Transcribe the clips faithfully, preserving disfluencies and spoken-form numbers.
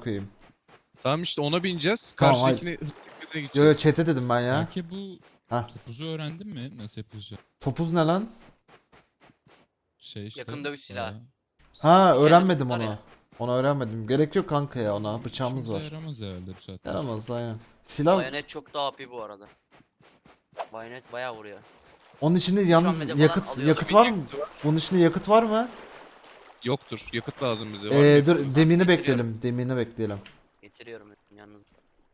koyayım. Tamam işte ona bineceğiz. Tamam, Karşıdakine hızlı teknesine Yo yo gideceğiz. chat'e dedim ben ya. Belki bu Hah. topuzu öğrendin mi? Nasıl yapılacak? Topuz ne lan? Şey işte. Yakın dövüş silahı. bayağı Ha Şeyde öğrenmedim var onu. ya. Onu öğrenmedim. Gerek yok kanka ya ona. Bıçağımız işimize var. yaramaz herhalde bu saatten. Yaramaz aynen. Silah Bayonet çok daha A P bu arada. Bayonet bayağı vuruyor. onun içinde an yalnız medya falan yakıt alıyorlar. yakıt var mı? Yakıtı var. Bunun içinde yakıt var mı? Yoktur. Yakıt lazım bize. Var mı Ee, yakıtımız? dur demini Getiriyorum. bekleyelim. Demini bekleyelim. Getiriyorum yalnız.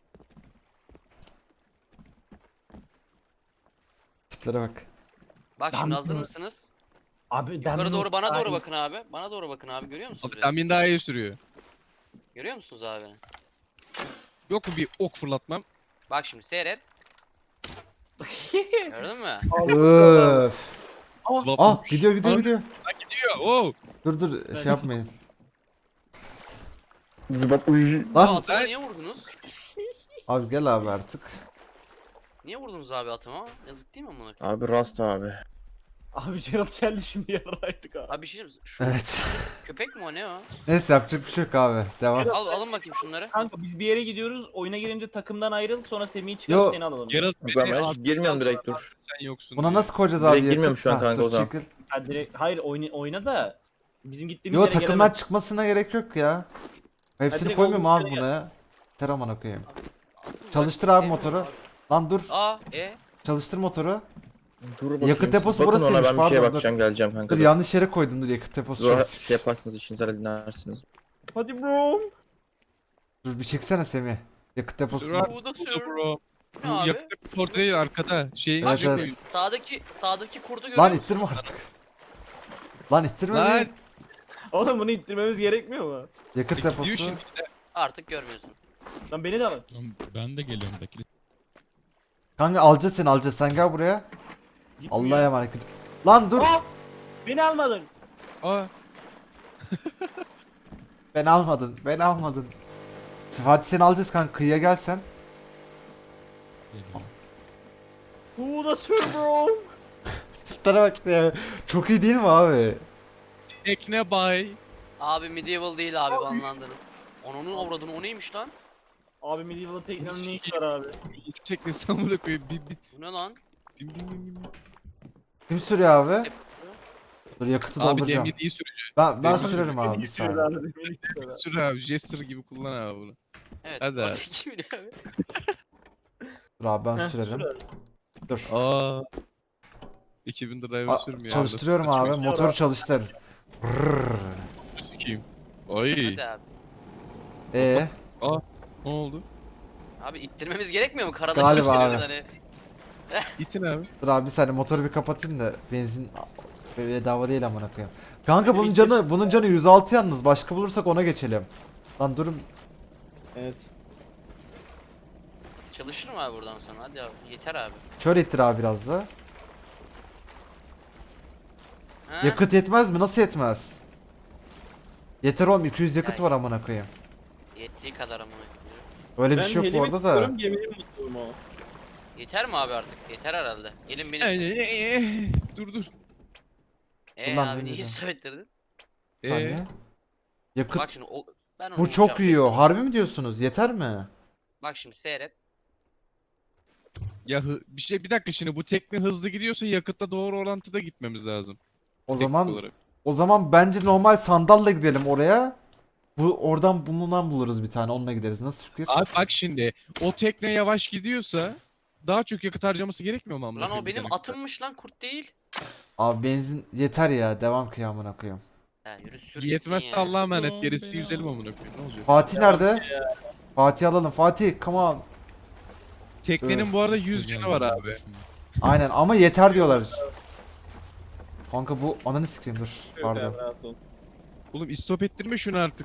Tiplere bak. Bak şimdi Ben- hazır mısınız? Abi Yukarı doğru bana doğru bakın. bakın abi. Bana doğru bakın abi. Görüyor musunuz? Abi beni? Tamin daha iyi sürüyor. Görüyor musunuz abi? Yok mu bir ok fırlatmam? Bak şimdi seyret. Gördün mü? Öf. Swap Ah olmuş. gidiyor gidiyor Aa, gidiyor. ha, gidiyor. Oo. Dur dur şey yapmayın. Zıbap uy. Aa, Lan atıma ben- niye vurdunuz? abi gel abi artık. Niye vurdunuz abi atıma? Yazık değil mi amına koyayım? Abi Rast abi. Abi Geralt geldi şimdi yaraydık abi. Abi bir şey diyeyim mi? Şu Evet. köpek mi o ne o? Neyse yapacak bir şey yok abi. Devam. Al alın bakayım şunları. Kanka biz bir yere gidiyoruz. Oyuna gelince takımdan ayrıl sonra Semih'i Yo. çıkarıp seni alalım. Geralt Ben beni hiç artık girmiyorum aldı direkt, abi, dur. Sen yoksun Buna diye. nasıl koyacağız Direkt abi? yakıt? girmiyorum şu an Ha, kanka dur, o zaman. Ha, direkt, hayır oyna, oyna da bizim gittiğimiz Yo yere takımdan gelemez. çıkmasına gerek yok ya. Hepsini direkt koymuyorum olduğumuz abi yere buna. Ter amına koyayım. Atın Çalıştır bak, abi sevmiyorum motoru. abi. Lan dur. Aa e. Çalıştır motoru. Dur bakayım. Yakıt deposu siz bakın burasıymış, ona, ben bir pardon, şeye dur. bakacağım geleceğim kanka. Dur dur. yanlış yere koydum dur yakıt deposu. Zor şurası. şey yaparsınız işinizi halledersiniz. Hadi bro. Dur bir çeksene Semih. Yakıt deposu. Sür abi, Bu da bu da sür. bro. Ne Bu abi? yakıt deposu orada değil arkada. Şeyin Evet, içinde evet. koyun. Sağdaki sağdaki kurdu görüyor Lan musun? ittirme artık. Lan ittirme Lan beni. Oğlum bunu ittirmemiz gerekmiyor mu? Yakıt gidiyor deposu. şimdi. Artık görmüyorsun. Lan beni de alın. Lan ben de geliyorum bekle. Kanka alacağız seni alacağız. Sen gel buraya. Gitmiyor. Allah'a emanet. Lan dur. Aa! Beni almadın. Aa. Beni almadın. Beni almadın. Fatih seni alacağız kanka. Kıyıya gelsen. Geliyorum. Bu da sür bro. Tiplere bak ya. Çok iyi değil mi abi? Tekne bay. Abi medieval değil abi banlandınız. Onun avradını o neymiş lan? Abi medieval teknenin ne işi var abi? Şu teknesi amına koyayım. Bir bit. Bu ne lan? Bin bin bin bin. Kim sürüyor abi? Dur yakıtı Abi dolduracağım. demir iyi sürücü. Ben ben Demir- sürerim abi bir Beni istiyoruz saniye. abi, beni istiyoruz abi. Sür abi. Jester gibi kullan abi bunu. Evet. Hadi abi. Ortaki biri abi. Dur abi ben Heh, sürerim. sür abi. Dur. Aa. iki bin driver Aa, sürmüyor. çalıştırıyorum Nasıl abi. saçma Motoru çalıştır. iş, sikeyim. Ay. Hadi abi. Ee, Ne oldu? Abi ittirmemiz gerekmiyor mu? Karada Galiba çalıştırıyoruz abi. hani. İtin abi. dur abi bir saniye motoru bir kapatayım da benzin bedava değil amına koyayım. Kanka bunun canı bunun canı yüz altı yalnız. Başka bulursak ona geçelim. Lan durun. Evet. Çalışır mı abi buradan sonra? Hadi abi. Yeter abi. Şöyle ittir abi biraz da. Ha? Yakıt yetmez mi? Nasıl yetmez? Yeter oğlum iki yüz yakıt Yani. var amına koyayım. Yettiği kadar ama. Öyle bir Ben şey yok bu helimi arada da. tutuyorum, geminin mutluyum o. Yeter mi abi artık? Yeter herhalde. Gelin benim. Ee, dur dur. Eee Ulan abi ne niye dedim? söylettirdin? Ee, Saniye. Bak Yakıt. şimdi o ben onu Bu çok bulacağım. yiyor. Harbi mi diyorsunuz? Yeter mi? Bak şimdi seyret. ya hı- bir şey bir dakika şimdi bu tekne hızlı gidiyorsa yakıtla doğru orantıda gitmemiz lazım. O Teknik zaman olarak. o zaman bence normal sandalla gidelim oraya. Bu oradan bulunan buluruz bir tane. Onunla gideriz. Nasıl fikir? Abi bak şimdi o tekne yavaş gidiyorsa daha çok yakıt harcaması gerekmiyor mu amına Lan o koyayım benim gidene kadar? atımmış lan kurt değil. Abi benzin yeter ya. Devam kıyamına koyayım. Ya yürü sür Yetmez gitsin ya. Allah'a emanet Oğlum gerisini beni yüzelim al. amına koyayım ne olacak? Fatih nerede? Fatih alalım. Fatih come on. Teknenin Öf. bu arada yüz canı var abi. Aynen ama yeter diyorlar. Kanka bu ananı sikeyim dur. Şöyle Pardon. abi, rahat ol. Oğlum istop ettirme şunu artık.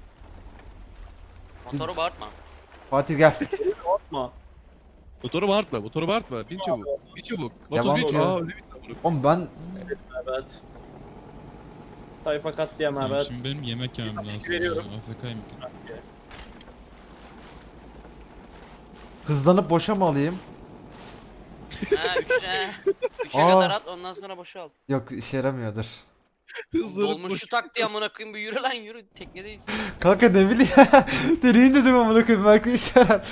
Motoru bağırtma. Fatih gel. Korkma. Motoru bağırtma, motoru bağırtma. Bin çabuk, bin çabuk. Devam Vatoz bin ki. çabuk. Aa öyle bir amına. Oğlum ben Evet. Sayfa katliam Tamam, evet. şimdi benim yemek yemem lazım. veriyorum. A F K'yım. hızlanıp boşa mı alayım? Ha üçe. Üçe Aa. kadar at ondan sonra boşalt. Yok işe yaramıyordur. Hızlanıp Dolmuşu tak diye amına koyayım bir yürü lan yürü teknedeyiz. Kanka ne bileyim. Deneyin dedim amına koyayım belki işe yarar.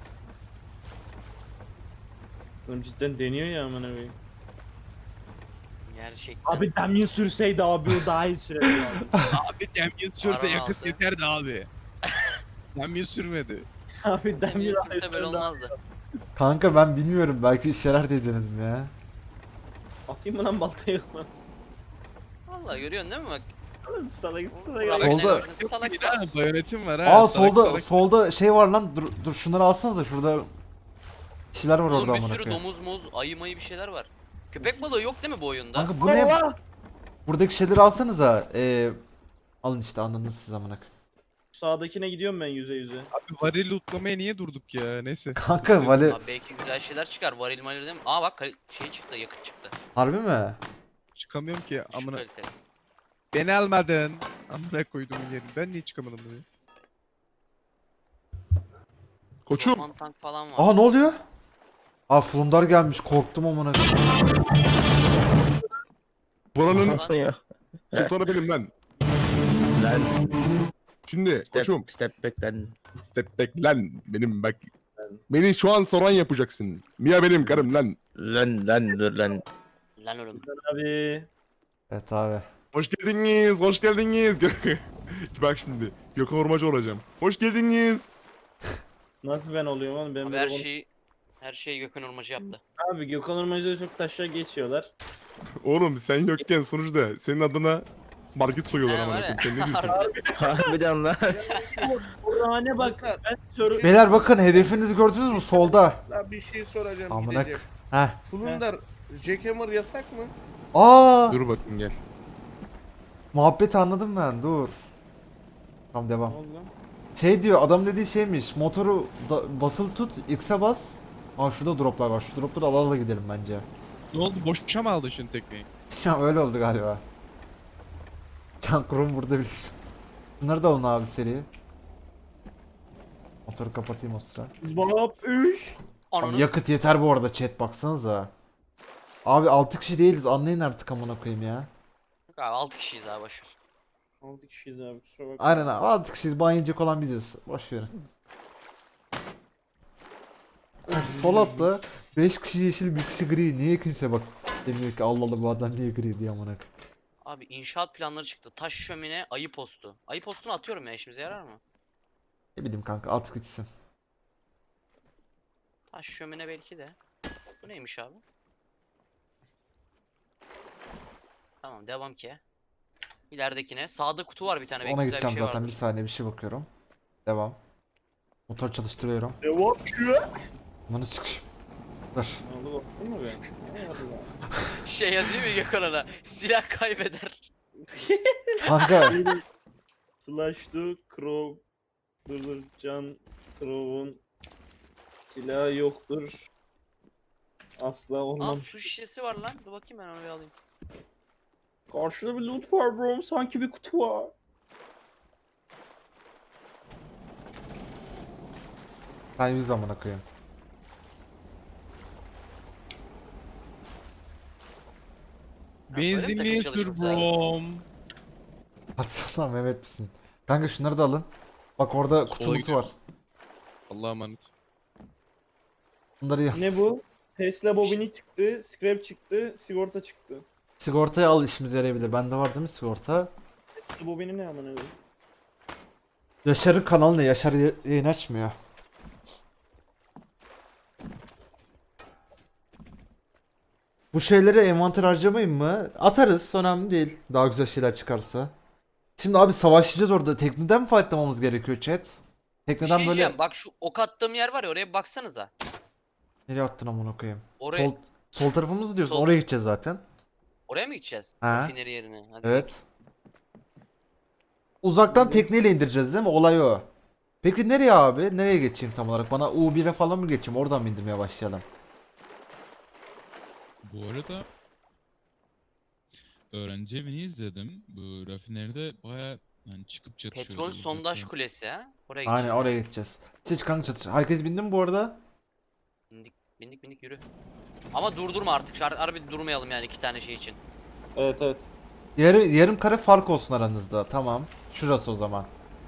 Oğlum cidden deniyor ya amına koyayım. Gerçekten. Abi Damien sürseydi abi o daha iyi sürerdi abi. Abi Damien sürse Paran yakıt altı. yeterdi abi. Damien sürmedi. Abi Damien Demir daha iyi kimse böyle sürerdi. olmazdı. Kanka ben bilmiyorum belki işe yarar diye denedim ya. Atayım mı lan baltayı? Vallahi görüyorsun değil mi bak. Salak Solda. salak. Solda- Salak Bir daha bayonetim var ha. Aa salak solda salak. solda şey var lan. Dur dur şunları alsanıza şurada. Bir şeyler var Oğlum orada bir amına sürü koyayım. domuz muz ayı mayı bir şeyler var. Köpek balığı yok değil mi bu oyunda? Kanka bu ne? Buradaki şeyleri alsanıza. Ee, alın işte anladınız siz amına koyayım. Sağdakine gidiyorum ben yüze yüze. Abi varil lootlamaya niye durduk ya? Neyse. Kanka vali Abi belki güzel şeyler çıkar. Varil maril değil mi? Aa bak kal- şey çıktı yakıt çıktı. harbi mi? Çıkamıyorum ki Şu amına. kaliteli. Beni almadın. Amına koydum yerini. Ben niye çıkamadım buraya? Koçum. Orman tank falan var. Aa ne oluyor? Aa Flundar gelmiş korktum amına koyayım. Buranın Lan, Ya. sultanı benim lan. Lan. Şimdi koçum. Step, step back lan. Step back lan. Benim bak. Beni şu an soran yapacaksın. Mia benim karım lan. Lan lan dur lan. Lan oğlum. Abi. Evet abi. Hoş geldiniz. Hoş geldiniz. Bak şimdi. Gökhan Ormacı olacağım. Hoş geldiniz. Nasıl ben oluyorum oğlum? Ben Abi böyle her ol- şeyi her şeyi Gökhan Ormacı yaptı. Abi Gökhan Ormacı'da çok taşla geçiyorlar. Oğlum sen yokken sonuçta senin adına market soyuyorlar He, ama. var ya. Sen ne diyorsun? Harbiden. Harbiden lan. Orhane bak. Ben sor. Beyler bakın hedefinizi gördünüz mü solda? Lan bir şey soracağım Amına gideceğim. Heh. Fulundar, Jackhammer yasak mı? Aa Dur bakayım gel. muhabbeti anladım ben dur. Tamam devam. Ne oldu lan? Şey diyor adam dediği şeymiş motoru da, basılı tut X'e bas. Aa şurada droplar var şu dropları ala ala gidelim bence. Ne oldu? Boşa mı aldın şimdi tekneyi? Ya öyle oldu galiba. Can kurum burada bilir. Bunları da alın abi seri. Motoru kapatayım o sıra. Bab üş. Abi Ananı yakıt yeter bu arada chat baksanıza. Abi altı kişi değiliz anlayın artık amına koyayım ya. abi altı kişiyiz abi boşver. altı kişiyiz abi kusura bakma. Aynen abi altı kişiyiz ban yiyecek olan biziz. Boş verin. Sol altta beş kişi yeşil bir kişi gri. Niye kimse bak demiyor ki Allah Allah bu adam niye gri diye amına koyayım. Abi inşaat planları çıktı. Taş şömine, ayı postu. Ayı postunu atıyorum ya işimize yarar mı? Ne bileyim kanka at gitsin. Taş şömine belki de. Bu neymiş abi? Tamam devam ki. İleridekine. Sağda kutu var bir tane. Belki Ona güzel bir gideceğim şey zaten bir vardır. saniye bir şey bakıyorum. Devam. Motor çalıştırıyorum. Devam şu. Bunu sıkış. Dur. Ne oldu baktın mı ben? Ne oldu lan? Şey yazıyor mu Gökhan ona? Silah kaybeder. Kanka Slash to Crow. Dur dur Can Crow'un silahı yoktur. Asla Aa olmam. su şişesi var lan. Dur bakayım ben onu bir alayım. Karşıda bir loot var bro. Sanki bir kutu var. ben yüz amına koyayım. böyle mi Benzinliğe takım sür çalışması abi? brom. Hadi lan Mehmet misin? Kanka şunları da alın. Bak orada kutu Sola mutu gidiyor. var. Allah'a emanet. Bunları yap. Ne bu? Tesla bobini çıktı, scrap çıktı, sigorta çıktı. Sigortayı al işimize yarayabilir. Bende var değil mi sigorta? Tesla bobini ne amına koyayım? Yaşar'ın kanalı ne? Yaşar y- yayın açmıyor. Bu şeyleri envanter harcamayın mı? Atarız. Önemli değil. Daha güzel şeyler çıkarsa. Şimdi abi savaşacağız orada. Tekneden mi fightlamamız gerekiyor chat? Bir Tekneden şey böyle... diyeceğim. Bak şu ok attığım yer var ya oraya bir baksanıza. Nereye attın amına koyayım? Oraya Sol, sol tarafımızı diyorsun. Sol- Oraya gideceğiz zaten. oraya mı gideceğiz? Ha. Rafineri yerine. Hadi Evet. Uzaktan tekneyle indireceğiz değil mi? Olay o. Peki nereye abi? Nereye geçeyim tam olarak? Bana U bir'e falan mı geçeyim? Oradan mı indirmeye başlayalım? Bu arada öğrenci evini izledim. Bu rafineride baya yani çıkıp çatışıyordu. Petrol sondaj uzaktan. kulesi ha. Oraya Aynen gideceğiz. oraya gideceğiz. Seç kanka çatış. Herkes bindi mi bu arada? Bindik bindik bindik yürü. Ama durdurma artık. Şar- Harbi durmayalım yani iki tane şey için. Evet evet. Yarı, yarım kare fark olsun aranızda. Tamam. Şurası o zaman.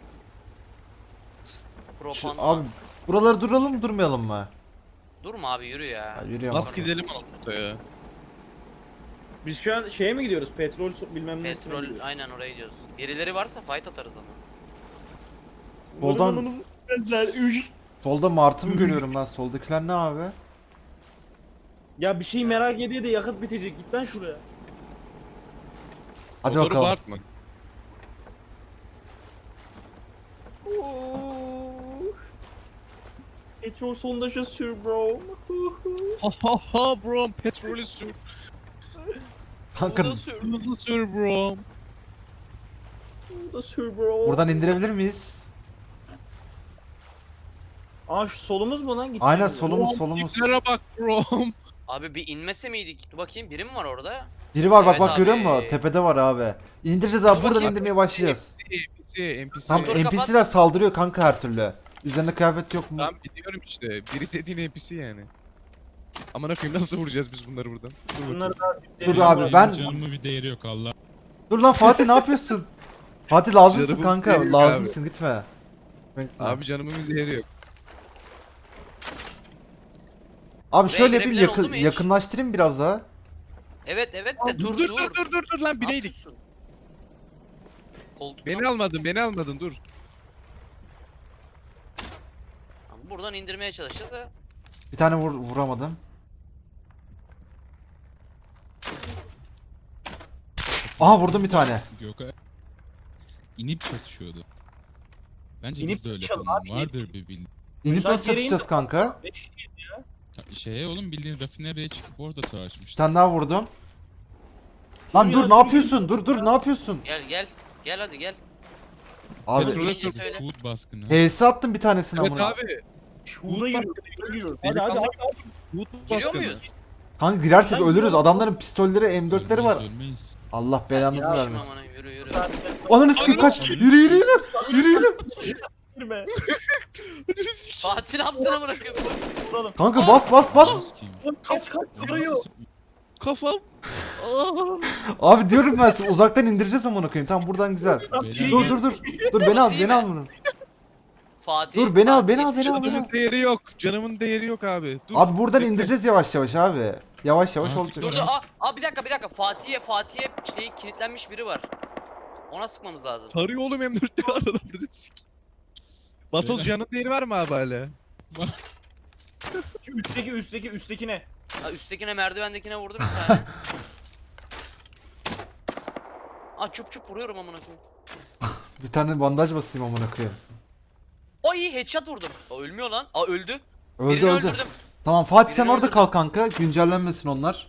Şu, Propan. abi buraları duralım mı durmayalım mı? Durma abi yürü ya. Ya, yürüyorum. Bas gidelim ortaya. Biz şu an şeye mi gidiyoruz? Petrol su- bilmem ne. Petrol aynen oraya gidiyoruz. Birileri varsa fight atarız ama. Soldan- Solda Martı mı görüyorum lan? Soldakiler ne abi? Ya bir şey merak ediyor da yakıt bitecek. Git lan şuraya. Hadi Motoru bakalım. bağırtma. Petrol sondajı sür bro. Ha ha ha bro, petrolü sür. Kanka Burada sür. Hızlı sür bro. Bu da sür bro. buradan indirebilir miyiz? Aa şu solumuz mu lan? Gideceğim Aynen ya. solumuz solumuz. Tiplere bak bro. Abi bir inmese miydik? Dur bakayım biri mi var orada? Biri var bak Evet bak görüyor abi. musun? Tepede var abi. İndireceğiz abi Dur buradan bakayım. indirmeye başlayacağız. N P C, N P C. Tam Dur, N P C'ler saldırıyor kanka her türlü. Üzerinde kıyafet yok mu? Tamam biliyorum işte. Biri dediğin N P C yani. Aman koyayım nasıl vuracağız biz bunları buradan? Dur bakayım. Bunları da Dur Benim abi, var. ben- Canımın bir değeri yok Allah. Dur lan Fatih ne yapıyorsun? Fatih lazımsın Canımın kanka. değeri Lazımsın gitme. Bekle. Abi canımın bir değeri yok. Abi şöyle Buraya yapayım girebilen yakın, oldu mu hiç? yakınlaştırayım biraz daha. Evet evet Dur de dur dur dur. dur dur dur, dur lan bineydik. Koltuktan. Beni almadın beni almadın dur. Buradan indirmeye çalışacağız ha. Bir tane vur, vuramadım. Aha vurdum bir tane. Gökay inip çatışıyordu. Bence İnip biz de öyle çatışalım yapalım. abi, Vardır bir bildiğin. İnip Lan nasıl geri çatışacağız indir. kanka? Şeye oğlum bildiğin rafineriye çıkıp orada Bir savaşmıştı. tane daha vurdum. Lan dur ne yapıyorsun? Dur dur ne yapıyorsun? Gel gel. Gel hadi gel. Abi Petrolü Neyse, sür. söyle. Food baskını. H S attım bir tanesini Evet amına. abi. Şurada giriyoruz. Şurada giriyoruz. Hadi hadi hadi. Food Giriyor baskını. muyuz? Kanka girersek Ben ölürüz. gidiyorum. Adamların pistolleri M dörtleri var. Ölmeyiz, ölmeyiz. Allah belanızı Ya, vermesin. aman, yürü yürü. Ananı sikeyim kaç. Yürü yürü yürü. Yürü yürü. Girme. Fatih ne yaptın amına koyayım? Vuralım. Kanka bas bas bas. Sikeyim. Oğlum kaç kaç Ama vuruyor. nasıl- Kafam. Abi diyorum ben size uzaktan indireceğiz amına koyayım. Tamam buradan güzel. Beyler, Dur dur dur. Dur beni al beni al bunu. Fatih. Dur beni al beni al Fatih. beni al beni al. Canımın değeri yok. Canımın değeri yok abi. Dur. Abi buradan bekle. indireceğiz yavaş yavaş abi. Yavaş yavaş Artık olacak. Dur dur aa, aa bir dakika bir dakika Fatih'e Fatih'e şey kilitlenmiş biri var. Ona sıkmamız lazım. Tarıyor oğlum M dörtte var burada. Vatoz Beyler. canın değeri var mı abi hala? Şu üstteki üstteki üstteki ne? Ha, üsttekine merdivendekine vurdum bir tane. Aa çup çup vuruyorum amına koyayım. Bir tane bandaj basayım amına koyayım. Ay headshot vurdum. Aa ölmüyor lan. Aa öldü. Öldü Birini öldü. öldürdüm. Tamam Fatih sen Birini orada öldürdüm. kal kanka. Güncellenmesin onlar.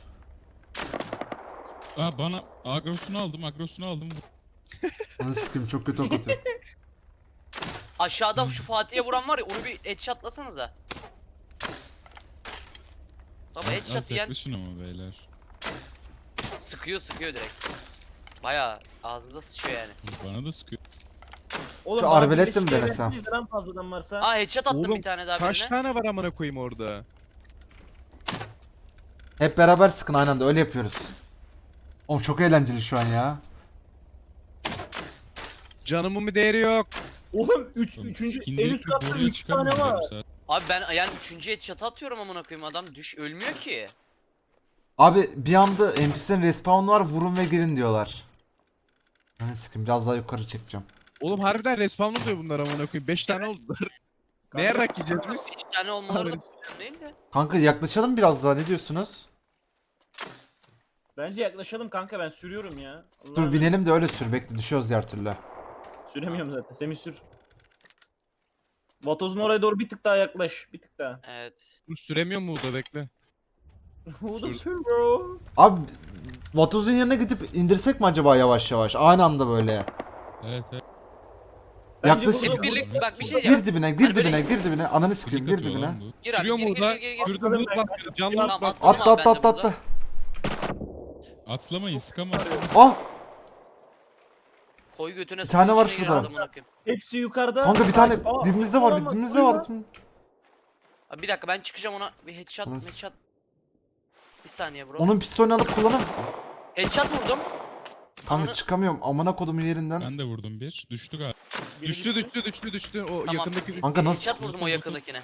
Aa bana agrosunu aldım, agrosunu aldım. Ananı sikeyim çok kötü ok atıyor. Aşağıda şu Fatih'e vuran var ya onu bir headshotlasanıza. Tabi Az headshot yiyen yaklaşın ama beyler. sıkıyor sıkıyor direkt. Baya ağzımıza sıçıyor yani. Bana da sıkıyor. Oğlum Şu bana arbaletle mi birleşik denesem? evrensiz lan fazladan varsa. Aa headshot attım Oğlum, bir tane daha Kaç birine. tane var amına koyayım orada? Hep beraber sıkın aynı anda öyle yapıyoruz. Oğlum çok eğlenceli şu an ya. Canımın bir değeri yok. Oğlum üç, Oğlum, üçüncü en skinleri üst katta boruya üç tane çıkamıyorum var. zaten. Abi ben yani üçüncü headshot atıyorum amına koyayım adam düş ölmüyor ki. Abi bir anda N P C'lerin respawn var vurun ve girin diyorlar. Ananı sikeyim biraz daha yukarı çekeceğim. Oğlum harbiden respawn oluyor bunlar amına koyayım. beş tane oldular. Ne yarak yiyeceğiz biz? Üç tane olmaları da Abi. problem değil de. Kanka yaklaşalım biraz daha ne diyorsunuz? Bence yaklaşalım kanka ben sürüyorum ya. Allah Dur Allah. binelim de öyle sür bekle düşüyoruz diğer türlü. Süremiyorum zaten. Semih sür. Vatoz'un oraya doğru bir tık daha yaklaş. Bir tık daha. Evet. Dur süremiyor mu da bekle. Bu da Sür. sür bro. Abi Vatoz'un yanına gidip indirsek mi acaba yavaş yavaş aynı anda böyle? Evet evet. Bence Yaklaş. bu- Hep birlikte bak bir şey diyeceğim. Gir dibine gir Hani böyle- dibine gir dibine ananı Klik sikeyim gir atıyor dibine. lan bu. Gir abi Sürüyor gir mu gir orada? gir gir. Şurada loot baskını. Canlı loot Tamam, baskını. atladım Atla abi atla ben atla de atla. Atlamayın sıkamazsın. Ah Koy götüne Bir tane var içine gir şurada. adamın akıyım. Hepsi yukarıda. kanka bir tane Aa, dibimizde var olamaz, dibimizde var. duyma. Abi bir dakika ben çıkacağım ona bir headshot Nasıl? headshot. Bir saniye bro. Onun pistolünü alıp kullanın. Headshot vurdum. Kanka Ananı- çıkamıyorum amına kodumun yerinden. Ben de vurdum bir. Düştü galiba. Düştü düştü düştü düştü. O Tamam. yakındaki Kanka nasıl Headshot çıktı? vurdum o yakındakine.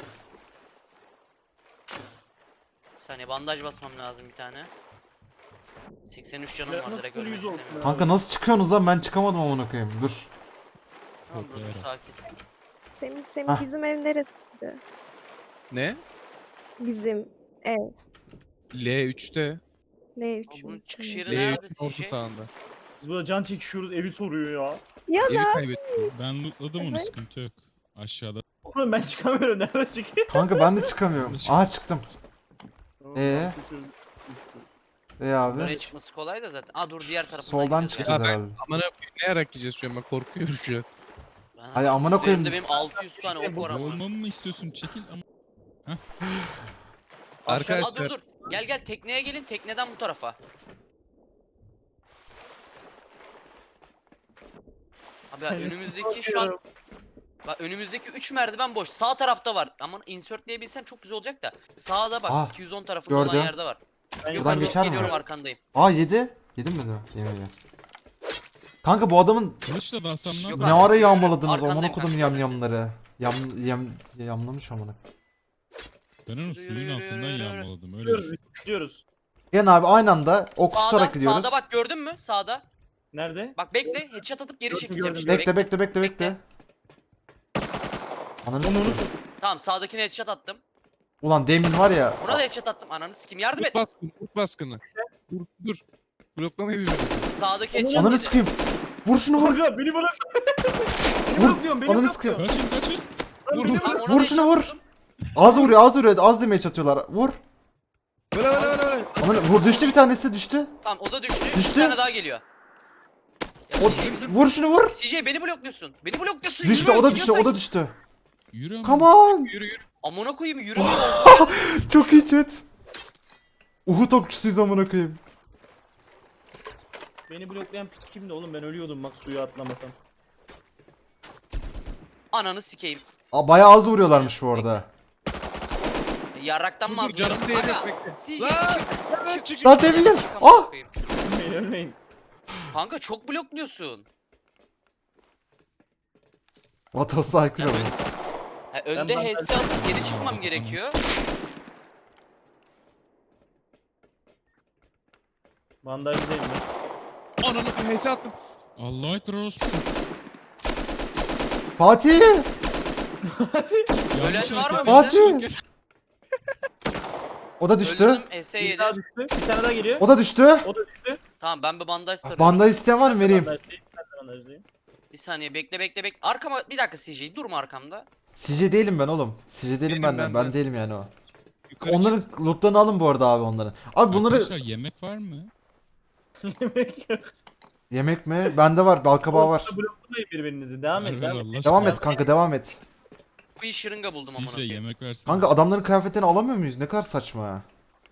Bir saniye bandaj basmam lazım bir tane. seksen üç canım var Nasıl direkt yüz ölmek olsun istemiyorum. Kanka nasıl çıkıyorsunuz lan, ben çıkamadım amına koyayım. Dur. Tamam dur dur Toplayarak. sakin. Semih Semih Hah. bizim ev neresi? ne? Bizim ev. L üçte. L Ama üç bunun mü? çıkış Tamam. yeri L nerede üçün orta T J? sağında. Biz burada can çekişiyoruz evi soruyor ya. Ya Evi da kaybettim. Ben lootladım onu, Evet. sıkıntı yok. Aşağıda. Oğlum ben çıkamıyorum nerede çıkıyor? Kanka ben de çıkamıyorum. Aha çıktım. Ee? E abi. Buraya çıkması kolay da zaten. Aa dur diğer tarafından Soldan gideceğiz çıkacağız Ya ben- herhalde. Amına koyayım ne yarak yiyeceğiz şu an, ben korkuyorum şu an. ya. Ben Ay, amına koyayım. üzerimde benim altı yüz tane ok var ama. Olmamı mı istiyorsun? Çekil ama. Aa Arkadaşlar dur dur. Gel gel tekneye gelin, tekneden bu tarafa. Abi ya önümüzdeki şu an bak önümüzdeki üç merdiven boş. Sağ tarafta var. Ama insertleyebilsem çok güzel olacak da. Sağda bak Ah, iki yüz on tarafında olan gördüm. yerde var. Ben Gökhan, Buradan geçer mi? geliyorum arkandayım. Aa yedi. Yedin mi de? Yemedi. Kanka bu adamın Kılıçla da alsam ne Yok ne yapayım? abi, ara yağmaladınız arkandayım amına kodum kanka, yam arkandayım. yamları. Yam yam yamlamış amına. Ben onu suyun altından yağmaladım. Öyle Gidiyoruz, düşün. gidiyoruz. Gel abi aynı anda ok Sağda, tutarak gidiyoruz. sağda bak gördün mü? Sağda. Nerede? Bak bekle, headshot atıp geri Gördüm, çekeceğim gördüm. şimdi. Bekle bekle bekle bekle. Ananı Onu sikeyim. unuttum. Tamam sağdakine headshot attım. Ulan demin var ya. Buna da headshot attım. Ananı sikim yardım Kurt et. baskını, kurt baskını. Dur dur. Bloklamayı bir Sağdaki headshot Ananı yedi. sikeyim. Vur şunu vur. Kanka beni bırak. Beni Vur. bırakıyorum beni Ananı bırak. sikeyim. Kaçın kaçın. Vur vur. Tamam, ona Vur da şunu headshot vur. attım. Az vuruyor az vuruyor. Az demeye çatıyorlar. Vur. Böyle böyle böyle böyle. Ananı vur, düştü bir tanesi düştü. Tamam o da düştü. Düştü. Bir tane daha geliyor. Ya, O, C J, vur şunu vur. C J beni blokluyorsun. Beni blokluyorsun. Düştü yürü, o da düştü o gidiyorsan- da düştü. Yürü ama. Come on. Yürü yürü. Amına koyayım yürümüyor. Çok iyi chat. Uhud okçusuyuz amına koyayım. Beni bloklayan pis kimdi oğlum ben ölüyordum bak suya atlamasam. Ananı sikeyim. Aa, bayağı az vuruyorlarmış bu arada. E, Yarraktan Dur mı dur canım az- değecek Kanka, bekle. C J Lan! çık. Çık çık. Lan demin- çık, amına Ah! koyayım. Ölmeyin ölmeyin. Kanka çok blokluyorsun. Vatos'a aykırı Ya bu. Ha, önde Ben- H S alıp geri çıkmam gerekiyor. Bandajdayım ben. Ananı bir hese attım. Allah ekber orospu. Fatih! Ölen Yanlış var mı hareket. Fatih! O da düştü. Öldürdüm S Bir yedi. daha düştü. Bir tane daha geliyor. O da düştü. O da düştü. Tamam ben bir bandaj sarıyorum. Bandaj isteyen var mı, vereyim? Bandajdayım. Ben de bandajdayım. Bir saniye bekle bekle bekle. Arkama bir dakika C J durma arkamda. C J değilim ben oğlum. C J değilim Benim ben, ben ben, de. değilim yani o. Yukarı Onların lootlarını alın bu arada abi onların. Abi bunları Arkadaşlar yemek var mı? yemek mi? Bende var, balkabağı var. Bloklamayın birbirinizi. Devam et. Ver, ver Devam et. Allah Devam aşkına. et kanka, devam et. Bir şırınga buldum amına Sizce koyayım. yemek versin. Kanka adamların kıyafetlerini alamıyor muyuz? Ne kadar saçma ya.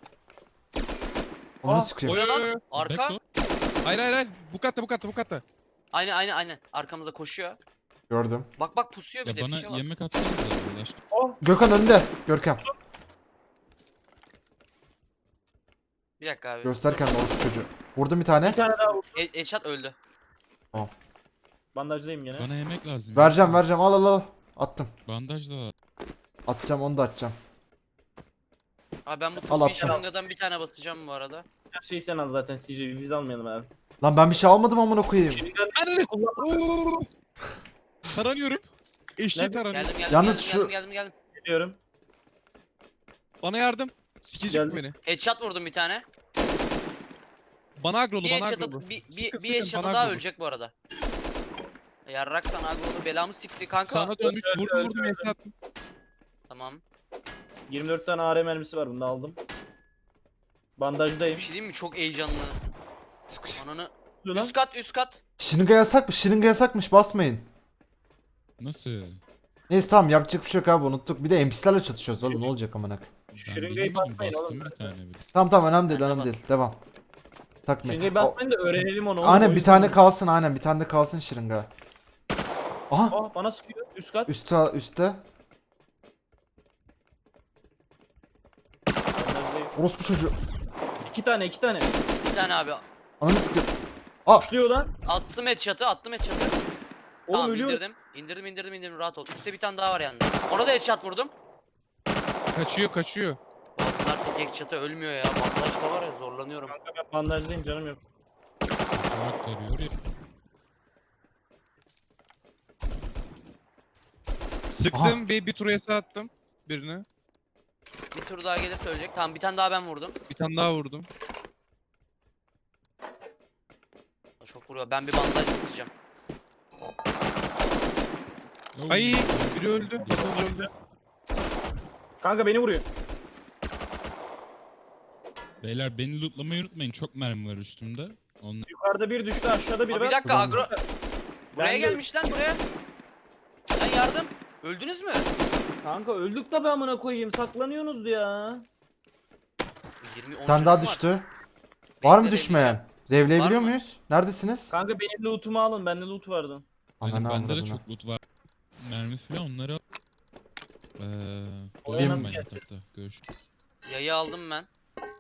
Onu Ah, sikeyim. Oy, oy, oy. Lan arka. Bekle. Hayır hayır hayır. Bu katta bu katta bu katta. Aynen aynen aynen. Arkamıza koşuyor. Gördüm. Bak bak pusuyor bir Ya de bana fişe bak. yemek atsanız da Allah aşkına. Gökhan önde. Görkem. Bir dakika abi. Göster kendini orospu çocuğu. Vurdum bir tane. Bir tane daha vur. E Eşat öldü. Bandajdayım gene. Bana yemek lazım. Vereceğim vereceğim, al al al. Attım. Bandaj da. Atacağım, onu da atacağım. Abi ben bu Al, tıbbi attım. şırıngadan bir tane basacağım bu arada. Her şeyi sen al zaten C J. Biz almayalım abi. Lan ben bir şey almadım amına koyayım. Ananı. Oo. Taranıyorum. Eşeği Nerede? taranıyorum. Geldim geldim Yalnız geldim, şu- geldim geldim geldim. Geliyorum. Bana yardım. Sikecek Geldim. beni. Headshot vurdum bir tane. Bana agrolu Bir bana headshot agrolu. at- bir, bir, Sıkın, bir sıkın, headshot'a bana daha agrolu. ölecek bu arada. Yarrak sana agrolu belamı sikti kanka. Sana dönmüş. Öldü, Vurdum öldü, vurdum hese attım. Tamam. yirmi dört tane A R mermisi var bunda aldım. Bandajdayım. Bir şey diyeyim mi? Çok heyecanlı. Sıkış. Ananı. Dur lan. Üst kat üst kat. Şırınga yasak mı? Şırınga yasakmış, basmayın. Nasıl? Neyse tamam, yapacak bir şey yok abi, unuttuk. Bir de N P C'lerle çatışıyoruz oğlum, ne olacak amına koyayım. Ben Şırıngayı bilemedim, basmayın bastım oğlum. bir tane bile. Tamam tamam, önemli değil Ben de önemli bas- değil. Devam. Takmayın. Şırıngayı O- basmayın da öğrenelim onu. oğlum. Aynen O bir yüzden- tane kalsın, aynen bir tane de kalsın şırınga. Aha, Aa bana sıkıyor. Üst kat. üstte üstte. Bandajdayım. Orospu çocuğu. İki tane iki tane. Bir tane abi. Ananı sikeyim. Aa! Kuşluyor lan. Attım headshot'ı, attım headshot'ı. Oğlum Tamam ölüyor. indirdim. İndirdim indirdim indirdim rahat ol. Üstte bir tane daha var yanında. Ona da headshot vurdum. Kaçıyor kaçıyor. Bunlar tek headshot'a ölmüyor ya. Bandaj da var ya zorlanıyorum. Kanka ben bandajdayım canım yok. Kulak tarıyor ya. Sıktım bir, bir tur yasa attım birine. Bir tur daha gelirse ölecek. Tamam bir tane daha ben vurdum. Bir tane daha vurdum. Çok vuruyor. Ben bir bandaj basacağım. Oy. Ay biri öldü. Yatıl öldü. Kanka beni vuruyor. Beyler beni lootlamayı unutmayın. Çok mermi var üstümde. Onlar Yukarıda bir düştü aşağıda biri Aa, bir var. dakika Ulan. agro. Buraya Ben de- gelmiş lan buraya. Lan yardım. Öldünüz mü? Kanka öldük tabi amına koyayım saklanıyorsunuz ya. yirmi Bir on tane daha canım var. düştü. Var mı Bekle, düşmeyen? Revleyebiliyor Var mı? muyuz? Neredesiniz? Kanka benim lootumu alın bende loot vardı. Benim, Ananı bende de avradını. çok loot var. Mermi falan onları al. Eee... Oyalan Oynayayım ben bir şey. yatakta. Görüşürüz. Yayı aldım ben.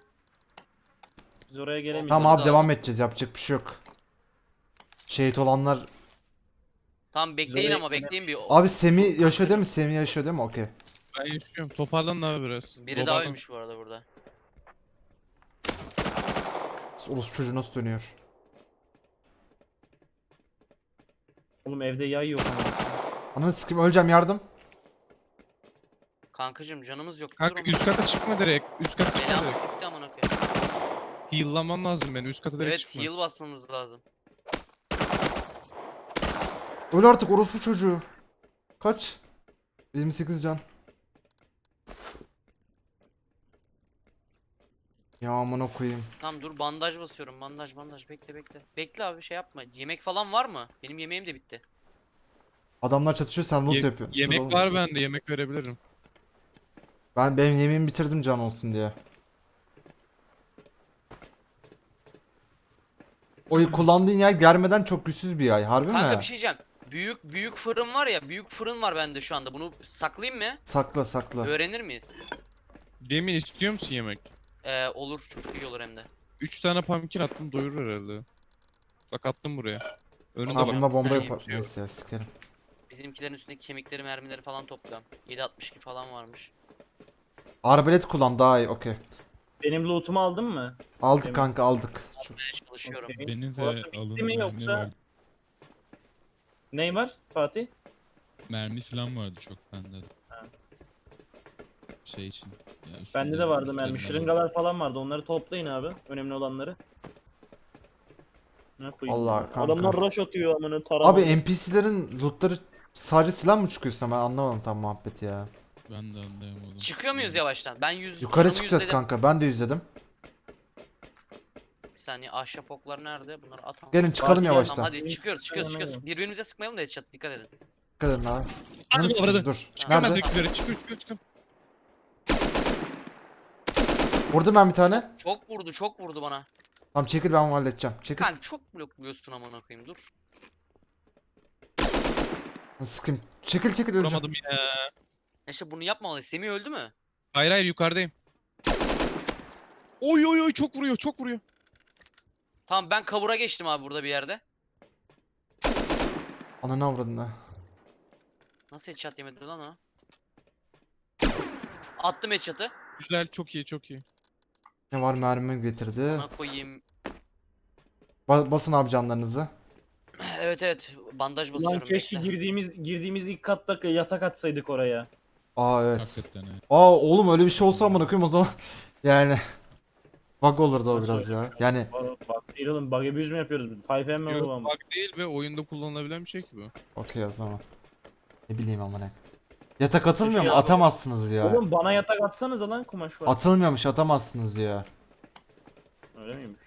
Biz oraya gelemeyiz. Tamam Bunları abi da devam edeceğiz. Yapacak bir şey yok. Şehit olanlar... Tamam bekleyin Zoe- ama bekleyin bir. Abi Semih yaşıyor değil mi? Semih yaşıyor değil mi? Okey. Ben yaşıyorum. Toparlanın abi biraz. Biri daha Toparlan. ölmüş bu arada burada. Orospu çocuğu nasıl dönüyor? Oğlum evde yay yok. Ananı sikeyim öleceğim yardım. Kankacım canımız yok. Kanka Durma. üst kata çıkma direkt. Üst kata çıkma Belamı direkt. sikti amına koyayım. Heal'laman lazım beni. Üst kata direkt Evet çıkma. heal basmamız lazım. Öl artık orospu çocuğu. Kaç? yirmi sekiz can. Ya amına koyayım. Tamam dur bandaj basıyorum. Bandaj bandaj bekle bekle. Bekle abi şey yapma. Yemek falan var mı? Benim yemeğim de bitti. Adamlar çatışıyor sen loot Ye- yapıyorsun. Dur yemek oğlum. var bende. Yemek verebilirim. Ben benim yemeğimi bitirdim can olsun diye. O kullandığın yer germeden çok güçsüz bir yay. Harbi Kanka mi? bir şey diyeceğim. Büyük büyük fırın var ya. Büyük fırın var bende şu anda. Bunu saklayayım mı? Sakla sakla. Öğrenir miyiz? Demin istiyor musun yemek? Ee, olur çok iyi olur hem de. üç tane pumpkin attım doyurur herhalde. Bak attım buraya. Önünde Ha bak. bunda bomba Sen yapar. yapıyor. Neyse ya sikerim. Bizimkilerin üstündeki kemikleri mermileri falan topluyorum. yedi altmış iki falan varmış. Arbalet kullan daha iyi okey. Benim lootumu aldın mı? Aldık Evet. kanka aldık. Çok- Almaya çalışıyorum. Okey. Beni de Bu arada alın. bitti mi mermi yoksa? var. Ney var Fatih? Mermi falan vardı çok bende de. Şey için. Ya Bende üstümde- de vardı üstlerimde mermi. var. Şırıngalar falan vardı. Onları toplayın abi. Önemli olanları. Ne koyayım? Allah ya? kanka. Adamlar rush atıyor amına tarama. Abi N P C'lerin lootları sadece silah mı çıkıyorsa ben anlamadım tam muhabbeti ya. Ben de anlayamadım. Çıkıyor muyuz yavaştan? Ben yüz Yukarı canımı çıkacağız yüzledim. kanka ben de yüzledim. Bir saniye ahşap oklar nerede? Bunları atalım. Gelin çıkalım Fatih, yavaştan. Tamam hadi çıkıyoruz çıkıyoruz Aynen çıkıyoruz. Birbirimize sıkmayalım da headshot dikkat edin. Dikkat edin abi. Hadi Ananı sikeyim, orada. dur. Çıkıyorum ben Nerede? direkt yukarı. Çıkıyorum çıkıyorum çıkıyorum. Vurdum ben bir tane. Çok vurdu çok vurdu bana. Tamam çekil ben onu halledeceğim. Çekil. Kanka çok blokluyorsun amına koyayım dur. Sıkayım. Çekil çekil öleceğim. Vuramadım yine. İşte bunu yapmamalıyız. Semih öldü mü? Hayır hayır yukarıdayım. Oy oy oy çok vuruyor çok vuruyor. Tamam ben kavura geçtim abi burada bir yerde. Ananı avradını. Nasıl headshot yemedi lan o? Attım headshot'ı. Güzel çok iyi çok iyi. Ne var mermi getirdi. Ona koyayım. Ba- basın abi canlarınızı. Evet evet bandaj Ulan basıyorum keşke bekle. girdiğimiz girdiğimiz ilk katta yatak atsaydık oraya. Aa evet. Hakikaten evet. Aa oğlum öyle bir şey olsa amına koyayım o zaman. Yani. Bug olurdu o Nasıl biraz ya. Yani Aa, Bak değil oğlum bug abuse mi yapıyoruz? five M mi Yok oğlum? bug değil ve oyunda kullanılabilen bir şey ki bu. okey o zaman. Ne bileyim amına. Yatak atılmıyor mu? Ya, Atamazsınız ya. Oğlum bana yatak atsanız lan kumaş var. Atılmıyormuş atamazsınız ya. Öyle miymiş?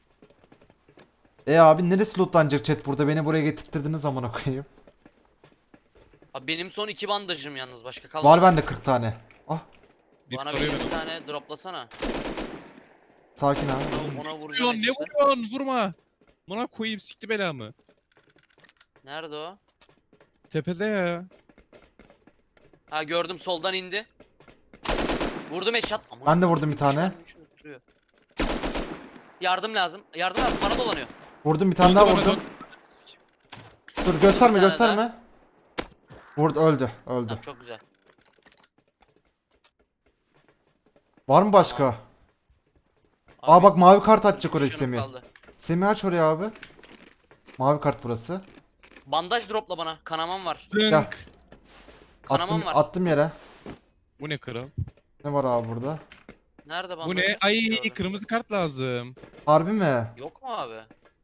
E abi neresi lootlanacak chat burada beni buraya getirttirdiniz amına koyayım. Abi benim son iki bandajım yalnız başka kalmadı. Var bende kırk tane. Ah Bir Bana soruyor bir beni. tane droplasana. sakin abi. Ona, ona vuracağım Vuruyorsun ne headshot'ı. vuruyorsun vurma. Buna koyayım sikti belamı. Nerede o? Tepede ya. Ha gördüm soldan indi. Vurdum headshot. Aman Ben de vurdum bir Allah'ım, tane. üçünü- üçünü tutuyor. Yardım lazım. Yardım lazım. Bana dolanıyor. Vurdum bir tane daha Öldü bana, vurdum. dön. Dur gösterme Bir tane gösterme. Vurdu öldü öldü. Tamam, çok güzel. Var mı başka? Abi, Aa bak mavi kart açacak üç oraya canım Semih. kaldı. Semih aç oraya abi. Mavi kart burası. Bandaj dropla bana. Kanamam var. Zınk. Gel. Kanamam Attım, var. attım yere. Bu ne kral? Ne var abi burada? Nerede bandaj? Bu ne? Ay Gördüm. kırmızı kart lazım. Harbi mi? Yok mu abi?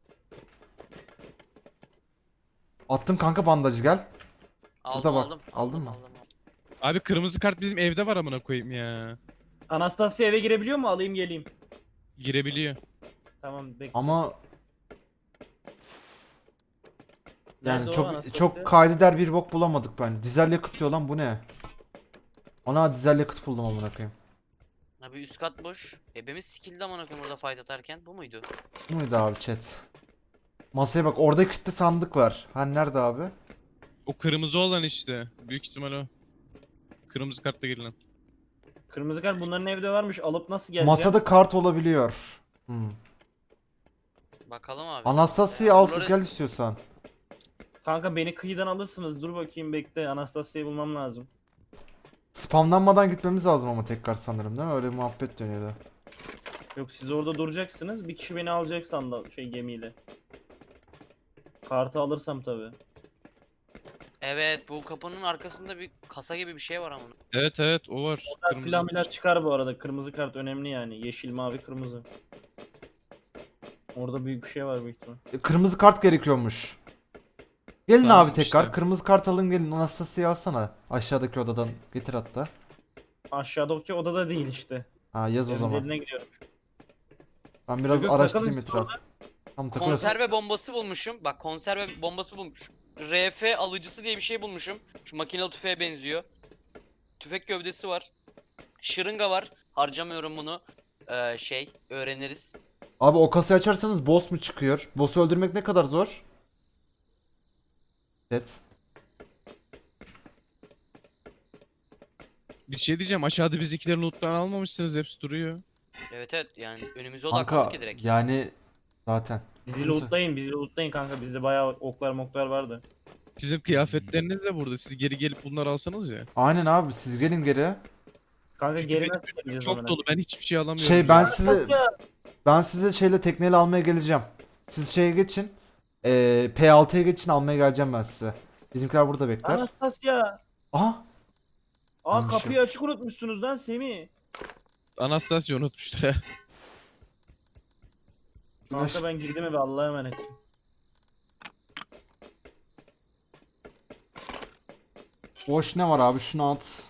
Attım kanka bandajı gel. Aldım bak, aldım. aldın aldım, mı? aldım, aldım. Abi kırmızı kart bizim evde var amına koyayım ya. Anastasia eve girebiliyor mu? Alayım geleyim. Girebiliyor. Tamam bekle. Ama yani Nerede o çok Anastasia? çok kaydeder bir bok bulamadık ben. Dizel yakıt diyor lan bu ne? Ana dizel yakıt buldum amına koyayım. Abi üst kat boş. Ebemiz skill'di amına koyayım orada fight atarken. Bu muydu? Bu muydu abi chat? Masaya bak orada kilitli sandık var. Hani nerede abi? O kırmızı olan işte. Büyük ihtimal o. Kırmızı kartla girilen. Kırmızı kart bunların evde varmış. Alıp nasıl geleceğim? Masada kart olabiliyor. Hmm. Bakalım abi. Anastasia'yı al Bunları- gel istiyorsan. Kanka beni kıyıdan alırsınız. Dur bakayım bekle. Anastasia'yı bulmam lazım. Spamlanmadan gitmemiz lazım ama tekrar sanırım değil mi? Öyle bir muhabbet dönüyordu. Yok siz orada duracaksınız. Bir kişi beni alacak sandı şey gemiyle. Kartı alırsam tabi. Evet bu kapının arkasında bir kasa gibi bir şey var ama. Evet evet o var. Kırmızı. Silah milah çıkar bu arada. Kırmızı kart önemli yani. Yeşil, mavi, kırmızı. Orada büyük bir şey var büyük ihtimal. E, Kırmızı kart gerekiyormuş. Gelin Tamam, abi tekrar. işte. Kırmızı kart alın gelin. Anastasia'yı alsana. Aşağıdaki odadan getir hatta. Aşağıdaki odada değil işte. Ha yaz o Evin zaman. eline gidiyorum. Ben biraz Yok, araştırayım takalım etraf. Tam takılıyorsun. Konserve bombası bulmuşum. Bak konserve bombası bulmuşum. R F alıcısı diye bir şey bulmuşum. Şu makinalı tüfeğe benziyor. Tüfek gövdesi var. Şırınga var. Harcamıyorum bunu. Ee, şey öğreniriz. Abi o kasayı açarsanız boss mu çıkıyor? Boss'u öldürmek ne kadar zor? Evet. Bir şey diyeceğim aşağıda bizimkilerin loot'tan almamışsınız hepsi duruyor. Evet evet yani önümüze Kanka odaklandık ki direkt. yani zaten. Bizi lootlayın, bizi lootlayın kanka. Bizde bayağı oklar moklar vardı. Sizin kıyafetleriniz de burada. Siz geri gelip bunları alsanız ya. Aynen abi siz gelin geri. Kanka Çünkü geri benim nasıl geleceğiz Çok amına? dolu ben hiçbir şey alamıyorum. Şey ben ya. size ben size şeyle tekneyle almaya geleceğim. Siz şeye geçin. Ee, P altıya geçin almaya geleceğim ben size. Bizimkiler burada bekler. Anastasia. Aha. Aa Yanlış kapıyı yapmış. açık unutmuşsunuz lan Semih. Anastasia unutmuştur ya. Kanka ben girdim eve Allah'a emanet. Boş ne var abi şunu at.